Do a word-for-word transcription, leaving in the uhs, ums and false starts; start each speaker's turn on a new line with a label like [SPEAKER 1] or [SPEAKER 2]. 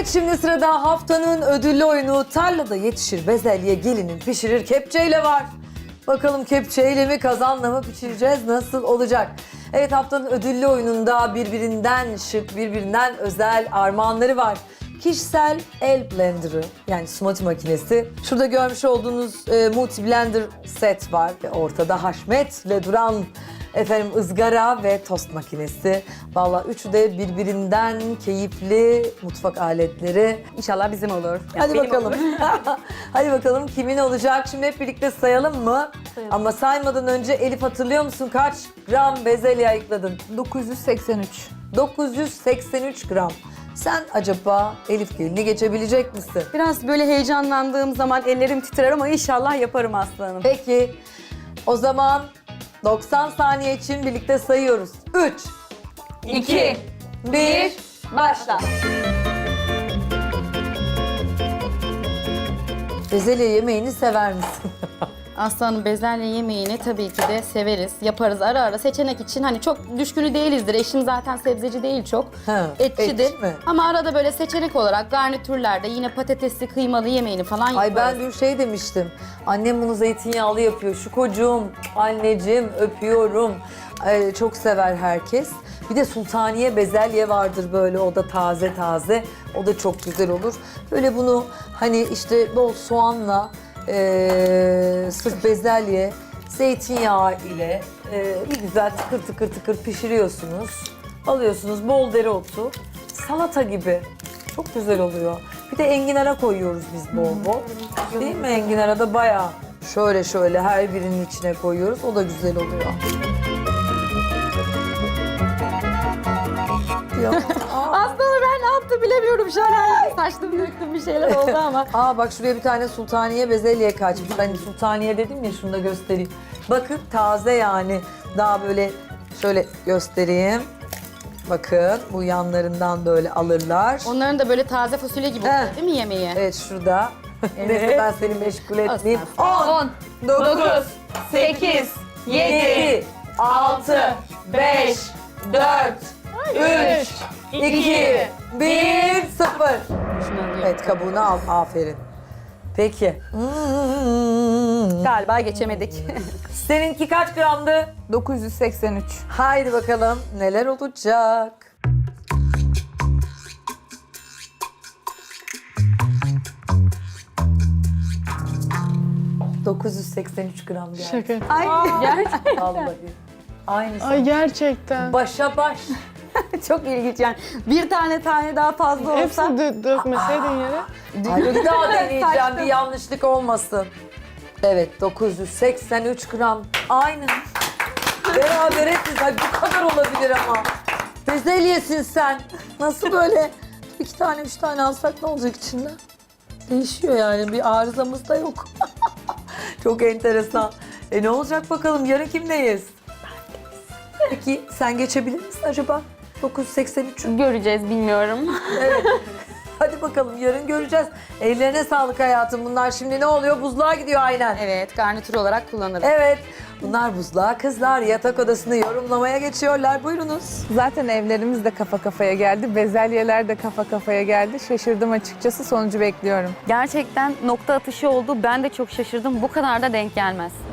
[SPEAKER 1] Evet, şimdi sırada haftanın ödüllü oyunu tarlada yetişir bezelye, gelinin pişirir kepçeyle var. Bakalım kepçeyle mi kazanla mı pişireceğiz, nasıl olacak? Evet, haftanın ödüllü oyununda birbirinden şık, birbirinden özel armağanları var. Kişisel el blenderı, yani smoothie makinesi. Şurada görmüş olduğunuz e, multi blender set var. Ve ortada haşmetle duran efendim ızgara ve tost makinesi. Vallahi üçü de birbirinden keyifli mutfak aletleri.
[SPEAKER 2] İnşallah bizim olur. Yani
[SPEAKER 1] Hadi
[SPEAKER 2] benim
[SPEAKER 1] bakalım.
[SPEAKER 2] olur.
[SPEAKER 1] Hadi bakalım kimin olacak? Şimdi hep birlikte sayalım mı?
[SPEAKER 2] Sayalım.
[SPEAKER 1] Ama saymadan önce Elif, hatırlıyor musun kaç gram bezelye ayıkladın?
[SPEAKER 3] dokuz yüz seksen üç.
[SPEAKER 1] dokuz yüz seksen üç gram. Sen acaba Elif gelini geçebilecek misin?
[SPEAKER 2] Biraz böyle heyecanlandığım zaman ellerim titrer ama inşallah yaparım aslanım.
[SPEAKER 1] Peki, o zaman doksan saniye için birlikte sayıyoruz. üç,
[SPEAKER 2] İki,
[SPEAKER 1] bir,
[SPEAKER 2] başla.
[SPEAKER 1] bezelye yemeğini sever misin?
[SPEAKER 4] Aslanım, bezelye yemeğini tabii ki de severiz. Yaparız ara ara seçenek için. Hani çok düşkünü değilizdir. Eşim zaten sebzeci değil çok.
[SPEAKER 1] Ha,
[SPEAKER 4] Etçidir.
[SPEAKER 1] etçi mi?
[SPEAKER 4] Ama arada böyle seçenek olarak garnitürlerde yine patatesli kıymalı yemeğini falan yaparız.
[SPEAKER 1] Ay, ben dün şey demiştim. Annem bunu zeytinyağlı yapıyor. Şu kocuğum, anneciğim öpüyorum. Ay, çok sever herkes. Bir de sultaniye bezelye vardır böyle, o da taze taze. O da çok güzel olur. Böyle bunu hani işte bol soğanla, e, sırf bezelye, zeytinyağı ile e, bir güzel tıkır tıkır tıkır pişiriyorsunuz. Alıyorsunuz bol dereotu, salata gibi. Çok güzel oluyor. Bir de enginara koyuyoruz biz bol bol. Değil mi? Enginara da bayağı şöyle şöyle her birinin içine koyuyoruz. O da güzel oluyor. Ya.
[SPEAKER 4] Aslanım, ben ne yaptım bilemiyorum şu an. Saçtım döktüm, bir şeyler oldu ama.
[SPEAKER 1] Aa, bak şuraya bir tane sultaniye bezelye kaçmış. Hani sultaniye dedim ya, şunu da göstereyim. Bakın taze yani. Daha böyle şöyle göstereyim. Bakın bu yanlarından böyle alırlar.
[SPEAKER 4] Onların da böyle taze fasulye gibi oluyor
[SPEAKER 1] Heh.
[SPEAKER 4] değil mi yemeği?
[SPEAKER 1] Evet, şurada. Neyse, ben seni meşgul etmeyeyim.
[SPEAKER 3] on,
[SPEAKER 1] dokuz,
[SPEAKER 3] sekiz,
[SPEAKER 1] yedi, altı, beş, dört, üç, iki, bir, sıfır.
[SPEAKER 4] Şunu alıyorum.
[SPEAKER 1] Evet, kabuğunu al. Aferin. Peki. Hmm.
[SPEAKER 2] Galiba geçemedik.
[SPEAKER 1] Seninki kaç gramdı?
[SPEAKER 3] dokuz yüz seksen üç.
[SPEAKER 1] Haydi bakalım neler olacak? dokuz yüz seksen üç gram geldi.
[SPEAKER 5] Şaka.
[SPEAKER 2] Ay gerçekten
[SPEAKER 1] Vallahi. Aynısı.
[SPEAKER 5] Ay gerçekten.
[SPEAKER 1] Başa baş.
[SPEAKER 2] çok ilginç yani. Bir tane tane daha fazla olsa.
[SPEAKER 5] Hepsini dö dökmeseydin yere.
[SPEAKER 1] Ay, bir daha deneyeceğim,
[SPEAKER 2] Saçma.
[SPEAKER 1] bir yanlışlık olmasın. Evet, dokuz yüz seksen üç gram. Aynı. Beraberiz. Ay, bu kadar olabilir ama. Bezelyesin sen. Nasıl böyle? İki tane, üç tane alsak ne olacak içinden? Değişiyor yani. Bir arızamız da yok. Çok enteresan. E ne olacak bakalım? Yarın kimdeyiz? Peki sen geçebilir misin acaba? dokuz yüz seksen üç.
[SPEAKER 2] Göreceğiz, bilmiyorum.
[SPEAKER 1] Evet. Hadi bakalım, yarın göreceğiz. Ellerine sağlık hayatım. Bunlar şimdi ne oluyor? Buzluğa gidiyor aynen.
[SPEAKER 4] Evet, garnitür olarak kullanırız.
[SPEAKER 1] Evet. Bunlar buzluğa, kızlar yatak odasını yorumlamaya geçiyorlar. Buyurunuz.
[SPEAKER 3] Zaten evlerimiz de kafa kafaya geldi. Bezelyeler de kafa kafaya geldi. Şaşırdım açıkçası. Sonucu bekliyorum.
[SPEAKER 2] Gerçekten nokta atışı oldu. Ben de çok şaşırdım. Bu kadar da denk gelmez.